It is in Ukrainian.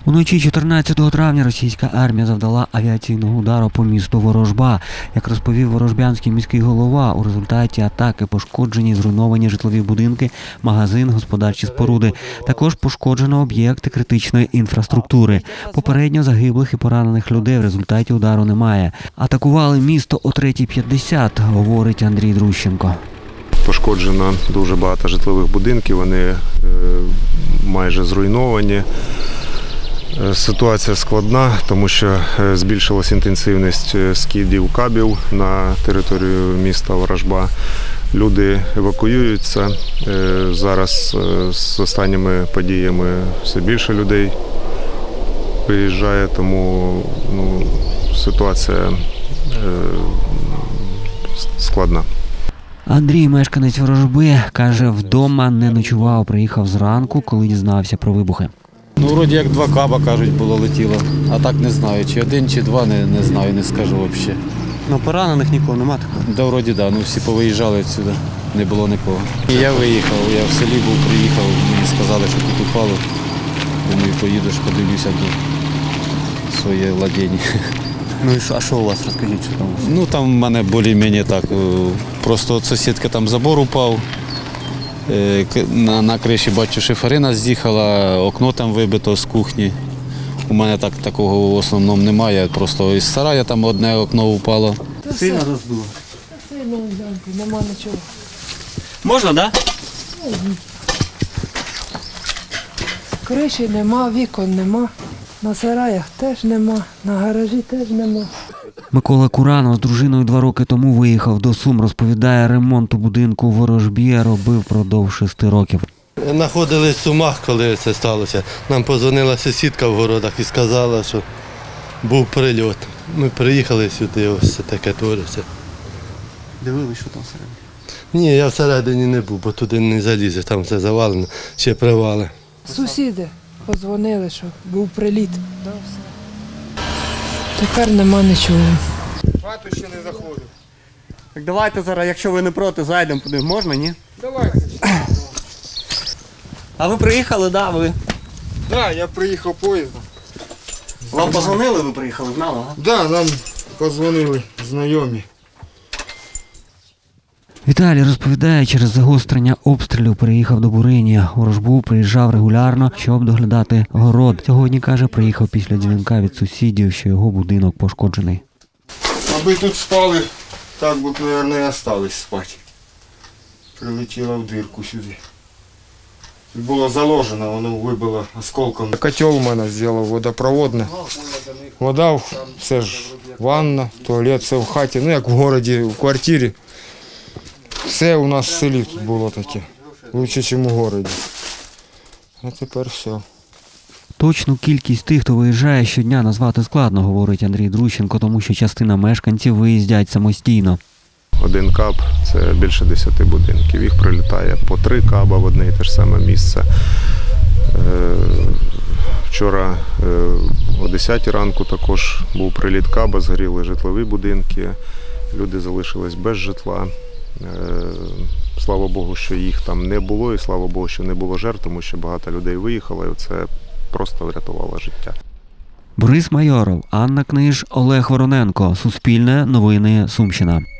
Уночі 14 травня російська армія завдала авіаційного удару по місту Ворожба. Як розповів ворожбянський міський голова, у результаті атаки пошкоджені зруйновані житлові будинки, магазин, господарчі споруди. Також пошкоджено об'єкти критичної інфраструктури. Попередньо загиблих і поранених людей в результаті удару немає. Атакували місто о 3:50, говорить Андрій Друщенко. Пошкоджено дуже багато житлових будинків, вони майже зруйновані. Ситуація складна, тому що збільшилась інтенсивність скидів кабів на територію міста Ворожба. Люди евакуюються. Зараз з останніми подіями все більше людей виїжджає, тому ситуація складна. Андрій, мешканець Ворожби, каже, вдома не ночував, приїхав зранку, коли дізнався про вибухи. Вроді як 2 каба, кажуть, було летіло. А так не знаю, чи 1, чи 2, не знаю, не скажу взагалі. Поранених нікого нема такого? Да, вроді так, всі повиїжджали відсюди, не було нікого. І я виїхав, я в селі був, приїхав, мені сказали, що тут упало. Думаю, поїдеш, подивлюся до своє владіння. Ну і а що у вас, розкажіть, що там? Там в мене більш-менш так, просто от сусідка там забор упав. На криші бачу, шиферина з'їхала, окно там вибито з кухні. У мене такого в основному немає, просто із сарая там одне окно упало. Сильно розбило? Сильно, нема нічого. Можна, так? Криші нема, вікон нема, на сараях теж нема, на гаражі теж нема. Микола Куранов з дружиною 2 роки тому виїхав до Сум. Розповідає, ремонт у будинку у Ворожбі робив впродовж 6 років. Знаходились в Сумах, коли це сталося. Нам подзвонила сусідка в городах і сказала, що був прильот. Ми приїхали сюди, ось це таке твориться. Дивились, що там всередині? Ні, я всередині не був, бо туди не залізе, там все завалено, ще привали. Сусіди подзвонили, що був приліт. Тепер нема нічого. Хату ще не заходив. Так давайте зараз, якщо ви не проти, зайдемо туди. Можна, ні? Давайте. А ви приїхали, да, ви? Так, я приїхав поїздом. Вам позвонили, ви приїхали, знали, ага? Так, нам подзвонили знайомі. Віталій розповідає, через загострення обстрілів переїхав до Бурині. У Ворожбу приїжджав регулярно, щоб доглядати город. Сьогодні, каже, приїхав після дзвінка від сусідів, що його будинок пошкоджений. Аби тут спали, так би, мабуть, і остались спати. Прилетіла в дирку сюди. Було заложено, воно вибило осколком. Котел у мене зробив водопроводне. Вода, це ж ванна, туалет, все в хаті. Як в місті, в квартирі. Все у нас в селі тут було таке. Лучше, ніж у місті. А тепер все. Точну кількість тих, хто виїжджає щодня, назвати складно, говорить Андрій Друщенко, тому що частина мешканців виїздять самостійно. 1 каб – це більше 10 будинків. Їх прилітає по 3 каба в одне і те ж саме місце. Вчора о 10 ранку також був приліт каба, згоріли житлові будинки, люди залишились без житла. Слава Богу, що їх там не було, і слава Богу, що не було жертв, тому що багато людей виїхало, і це просто врятувало життя. Борис Майоров, Анна Книж, Олег Вороненко. Суспільне новини Сумщина.